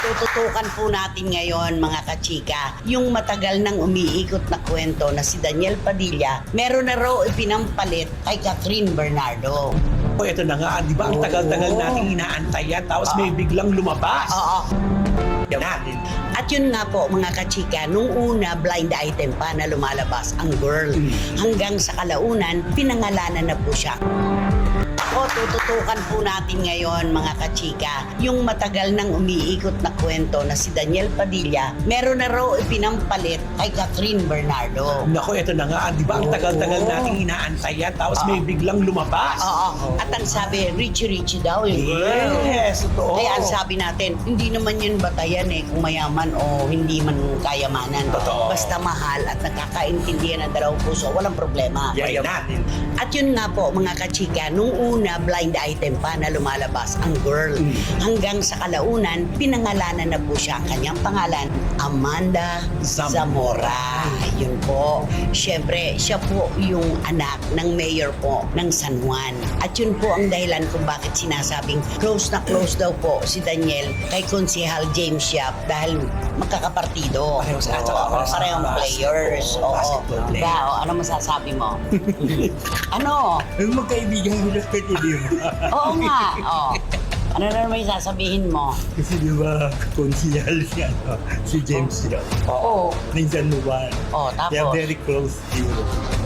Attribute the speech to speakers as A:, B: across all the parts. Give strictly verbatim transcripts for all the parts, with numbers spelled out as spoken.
A: Tututukan po natin ngayon mga kachika, yung matagal nang umiikot na kwento na si Daniel Padilla, meron na raw ipinampalit kay Catherine Bernardo.
B: O ito na nga, di ba ang tagal-tagal nating inaantay yan, tapos may biglang lumabas.
A: Oo.
B: Yan natin.
A: At yun nga po mga kachika, nung una blind item pa na lumalabas ang girl. Hanggang sa kalaunan, pinangalanan na po siya. Ako, tututukan po natin ngayon mga kachika, yung matagal nang umiikot na kwento na si Daniel Padilla, meron na raw ipinampalit kay Catherine Bernardo.
B: Nako, ito na nga, di ba ang tagal-tagal nating inaantay yan, tapos may biglang lumabas.
A: Oo. At ang sabi, richie-richie daw yung girl.
B: Yes, totoo.
A: Kaya ang sabi natin, hindi naman yun batayan eh kung mayaman o hindi man kayamanan.
B: Totoo.
A: Basta mahal at nakakaintindihan ng dalawang puso, walang problema.
B: Yan natin.
A: At yun nga po mga kachika, nung una blind item pa na lumalabas ang girl. Hanggang sa kalaunan, pinangalanan na po siya ang kanyang pangalan, Amanda
B: Zam-
A: Zamora. Yun po. Siyempre, siya po yung anak ng mayor po ng San Juan. At yun po ang dahilan kung bakit sinasabing close na close daw po si Daniel kay Konsehal James Yap dahil magkakapartido.
B: Pareho sa- at saka
A: Oo,
B: para sa
A: parehong
B: bas-
A: players.
B: oo,
A: Oo.
B: basketball player.
A: Diba? O, ano masasabi mo? Ano?
C: Yung magkaibigan mo lang pwede, di ba?
A: Oo nga. Oh. Ano na naman yung sasabihin mo?
C: Kasi di ba, konsihal si, ano, si James yun.
A: Oo.
C: Minsan mo ba?
A: Oh,
C: They are
A: tapos?
C: very close to you.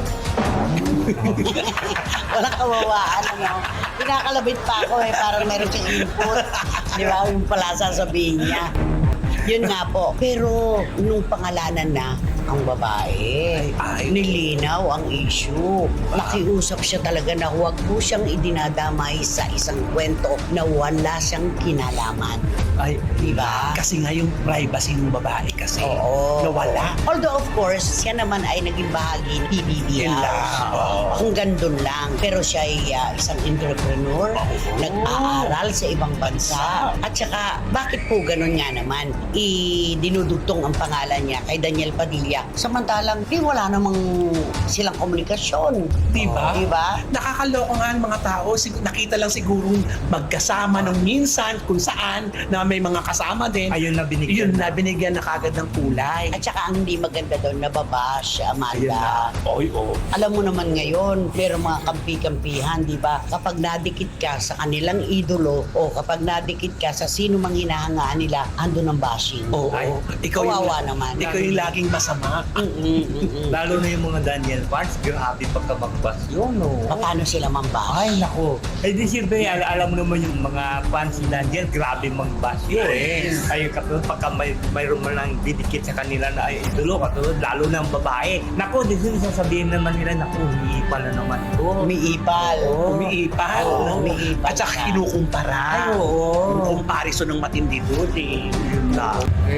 A: Walang kawawaan, ano? Pinakalabit pa ako eh, parang meron siyang input. Di ba? Yung pala sasabihin niya. Yun nga po. Pero nung pangalanan na ang babae,
B: Ay, ay.
A: nilinaw ang issue. Nakiusap siya talaga na huwag po siyang idinadamay sa isang kwento na wala siyang kinalaman.
B: Ay,
A: Di ba?
B: Kasi nga yung privacy ng babae kasi
A: Oo.
B: nawala.
A: Although of course, siya naman ay naging bahagi ng P B B
B: Yun lang,
A: House.
B: oo.
A: Hanggang dun lang. Pero siya ay ah, isang entrepreneur,
B: Oo.
A: nag-aaral sa ibang bansa. At saka, bakit po ganun nga naman? I-dinudugtong ang pangalan niya kay Daniel Padilla. Samantalang, di wala namang silang komunikasyon.
B: Di ba?
A: Di ba?
B: Nakakaloko nga ang mga tao. Sig- nakita lang sigurong magkasama ng minsan kung saan na may mga kasama din.
C: Ayun na binigyan.
B: Yun na binigyan na kagad ng kulay.
A: At saka ang hindi maganda doon, nababash,
B: Ayun
A: Amanda.
B: na. Oy, oh.
A: Alam mo naman ngayon, meron mga kampi-kampihan, di ba? Kapag nadikit ka sa kanilang idolo o kapag nadikit ka sa sino mang hinahangaan nila, ando ng bashing.
B: Oo.
C: Ay,
B: ikaw yung,
A: kawawa naman.
B: Ikaw yung laging masama.
A: Mm-mm, mm-mm.
C: Lalo na yung mga Daniel fans, grabe pagka magbas yun, no?
A: Paano sila mambash?
C: Ay, nako. Eh di siyempre, al- alam mo naman yung mga fans ni Daniel, grabe magbas yun.
B: Yes.
C: Ay, katulad pagka may, mayroon man lang didikit sa kanila na ay idolo, katulad lalo ng babae. Nako, di sila sasabihin naman nila, nako, umiipa na naman ito.
A: Umiipal.
C: Oo.
B: Umiipal.
A: Oo,
B: no?
A: umiipal
B: At saka
A: siya.
B: kinukumpara.
C: Ay, oo.
B: Yung comparison ng matindi doon eh.
C: Yun na.
D: Okay?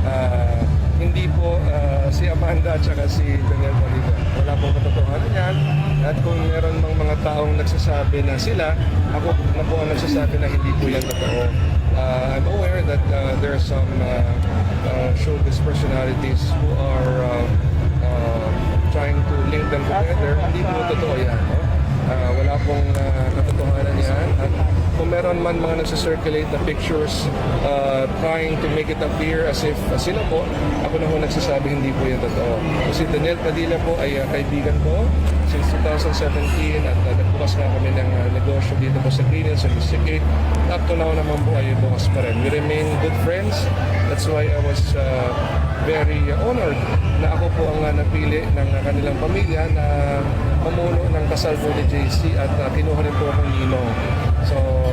D: Ah, hindi po ah, si Amanda at saka si Daniel Padilla. Wala pong katotohanan yan. At kung meron mang mga taong nagsasabi na sila, ako na po ang nagsasabi na hindi po yan totoo. Ah, I'm aware that ah, there are some uh, uh, showbiz personalities who are uh, uh, trying to link them together. Hindi po totoo yan. No? Ah, wala pong uh, katotohanan yan. At kung meron man mga nagsa-circulate na pictures uh, trying to make it appear as if uh, sila po, ako na ho nagsasabi hindi po yan totoo. Kasi Daniel Padilla po ay uh, kaibigan ko since two thousand seventeen at uh, nagbukas nga kami ng uh, negosyo dito po sa Green Hills and Mystic Gate. Up to now naman po ay bukas pa rin. We remain good friends. That's why I was uh, very uh, honored na ako po ang uh, napili ng uh, kanilang pamilya na pamuno ng kasal po ni J C at uh, kinuha rin po akong ninong. So,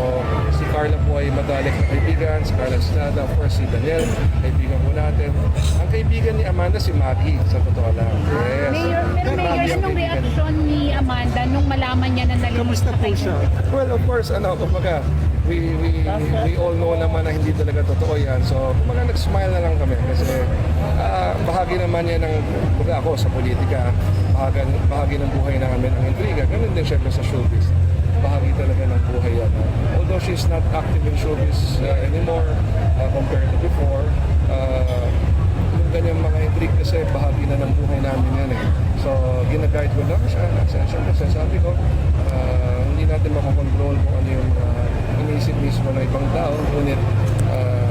D: si Carla po ay madalik na kaibigan, si Carla Estrada, of course si Daniel, kaibigan po natin. Ang kaibigan ni Amanda si Maggie, sa totoo lang. Yes.
E: Mayor, pero
D: Si
E: Mayor,
D: Maggie ang
E: anong
D: kaibigan.
E: reaksyon ni Amanda nung malaman niya na nalilito
D: Kamusta po siya? Well, of course, ano, kumbaga, we, we, we all know naman na hindi talaga totoo yan. So, kumbaga, nag-smile na lang kami kasi ah, bahagi naman yan ng, kumbaga ako sa politika, bahagi, bahagi ng buhay namin ang intriga. Ganun din syempre sa showbiz. Bahagi talaga ng buhay yan. Although she's not active in showbiz uh, anymore uh, compared to before, uh, yung ganyang mga intrigue kasi bahagi na ng buhay namin yan eh. So, gina-guide ko lang siya. Siyempre, sasabi ko, uh, hindi natin makakontrol kung ano yung uh, iniisip mismo ng ibang tao. Ngunit, uh,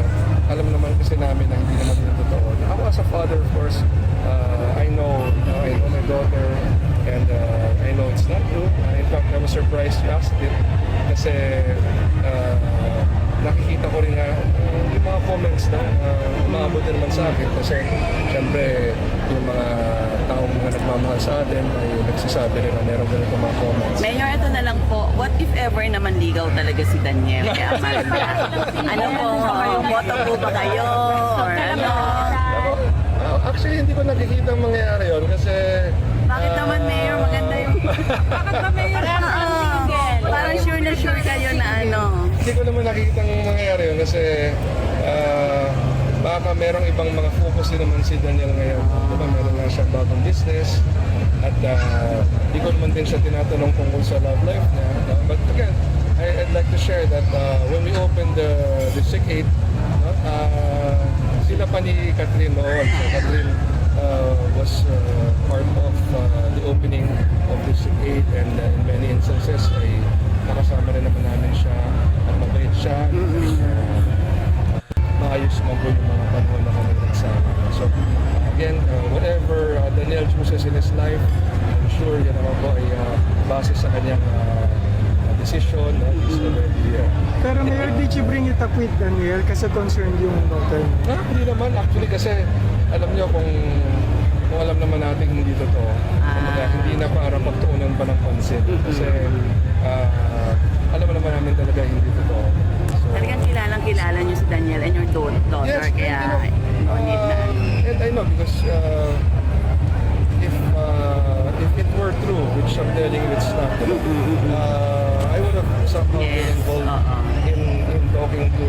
D: alam naman kasi namin na hindi naman yun totoo. Ako as a father, of course, uh, I know, uh, I know my daughter, and uh, I know it's not true. Uh, in fact, I was surprised you asked it kasi uh, nakikita ko rin nga uh, yung mga comments na uh, umaabot din naman sa akin kasi syempre yung mga taong mga nagmamahal sa atin ay nagsasabi rin na meron ganito mga comments.
F: Mayor, ito na lang po. What if ever naman ligaw talaga si Daniel kay Amanda? Ano po? Boto po ba kayo? Or ano?
D: Uh, actually, hindi ko nakikita ang mangyayari yun kasi...
F: Bakit naman, Mayor? Maganda yung... Bakit ba, Mayor? Parang sure na sure kayo na ano.
D: Hindi ko naman nakikita ang mangyayari yun kasi uh, baka merong ibang mga focus din naman si Daniel ngayon. Diba, meron lang siyang bagong business at uh, di ko naman din siya tinatanong kung sa love life niya. Uh, but again, I, I'd like to share that uh, when we opened the, the S I C eight, no, uh, sila pa ni Catherine noon. So Catherine uh, was uh, part of uh, the opening of the S I C eight and uh, in many instances ay nakasama rin naman namin siya at mabait siya. Uh, maayos mo po yung mga panahon na kami nagsama. So again, uh, whatever uh, Daniel chooses in his life, I'm sure yan naman po ay uh, base sa kanyang uh, decision. Uh, he's already uh,
G: Pero Mayor, did you bring it up with Daniel kasi concerned yung daughter niya?
D: Ah, hindi naman. Actually kasi alam niyo kung kung alam naman natin hindi totoo. Kumbaga, hindi na para pagtuunan pa ng pansin. Kasi ah, alam naman namin talaga hindi totoo. So,
F: Talagang kilalang kilala niyo si Daniel and your da- daughter.
D: yes,
F: Kaya
D: and, you
F: no
D: know,
F: need na.
D: uh, and I know because uh, if uh, if it were true, which I'm telling you it's not true, uh, I would have somehow been
F: Yes,
D: involved
F: oo.
D: in, in talking to,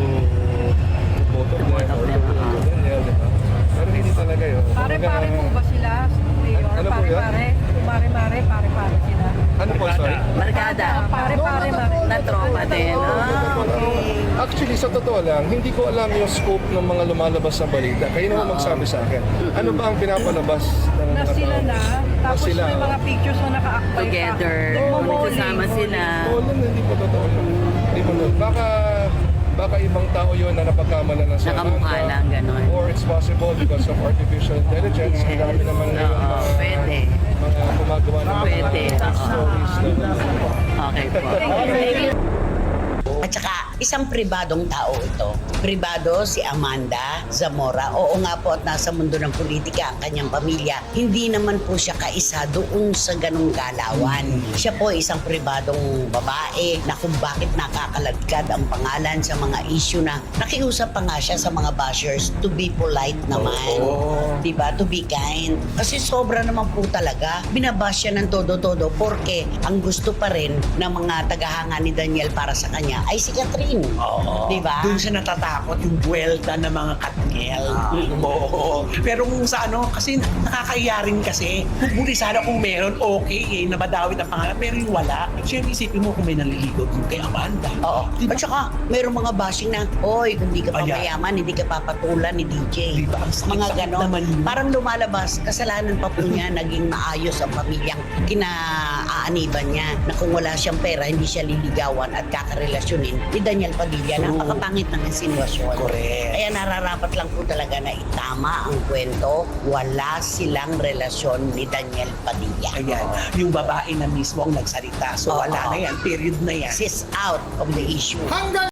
D: to both of them
F: both of
D: or
F: them,
D: to, to
F: oo.
D: Daniel, di ba? Pero hindi talaga yun.
H: Pare-pare po ba sila, Mayor?
D: Ano po yan?
H: Pare-pare? Mare-mare, pare-pare sila.
D: Ano po, sorry?
F: Barkada.
H: Pare-pare, mare.
F: Na tropa din. Ah, okay.
D: Actually, sa totoo lang, hindi ko alam yung scope ng mga lumalabas na balita. Kayo naman magsabi sa akin. Ano ba ang pinapalabas ng
H: Na
D: mga
H: sila
D: tao?
H: na, tapos
D: sila,
H: may mga
D: oh.
H: pictures na naka-akbay
F: Together.
H: pa. Nagmo-bowling.
F: Nagsasama sila.
D: Oo, lang, hindi po totoo yun. Hindi po totoo. Baka, baka ibang tao yun na napagkamalan ng sa
F: Nakamukha
D: Amanda.
F: lang, ganon.
D: Or it's possible because of artificial intelligence. Ang dami naman ngayon
F: Oo,
D: mga,
F: pwede.
D: mga gumagawa ng
F: Pwede,
D: mga
F: oo.
D: stories na
F: Okay po. Thank you.
A: At saka, isang pribadong tao ito. Pribado si Amanda Zamora. Oo nga po at nasa mundo ng politika ang kanyang pamilya. Hindi naman po siya kaisa doon sa ganung galawan. Siya po ay isang pribadong babae na kung bakit nakakaladkad ang pangalan sa mga issue na nakiusap pa nga siya sa mga bashers to be polite naman. Diba? To be kind. Kasi sobra naman po talaga. Binabash siya ng todo-todo porque ang gusto pa rin ng mga tagahanga ni Daniel para sa kanya ay si Catherine.
B: Oo.
A: Diba?
B: Doon siya natatakot yung buwelta ng mga Katniel. Oo. Pero kung sa ano, kasi nakakahiya rin kasi. Buli sana kung meron, okay eh, nabadawit ang pangalan. Pero yung wala, siyempre isipin mo kung may naliligaw dun kay Amanda.
A: Oo.
B: Diba?
A: At saka, mayroong mga bashing na, oy, kung di ka pa
B: Ayan.
A: mayaman, hindi ka papatulan ni D J.
B: Diba? Ang sakit-
A: Mga
B: sakit
A: ganon.
B: naman yun.
A: Parang lumalabas, kasalanan pa po niya, naging maayos ang pamilyang kinaaaniban niya na kung wala siyang pera, hindi siya liligawan at kakarelasyonin ni Daniel Padilla.
B: True.
A: Napakapangit ng insinuasyon.
B: Correct.
A: Kaya nararapat lang po talaga na itama ang kwento, wala silang relasyon ni Daniel Padilla.
B: Ayan, yung babae na mismo ang nagsalita. So
A: Oo.
B: wala na yan, period na yan.
A: She's out of the issue.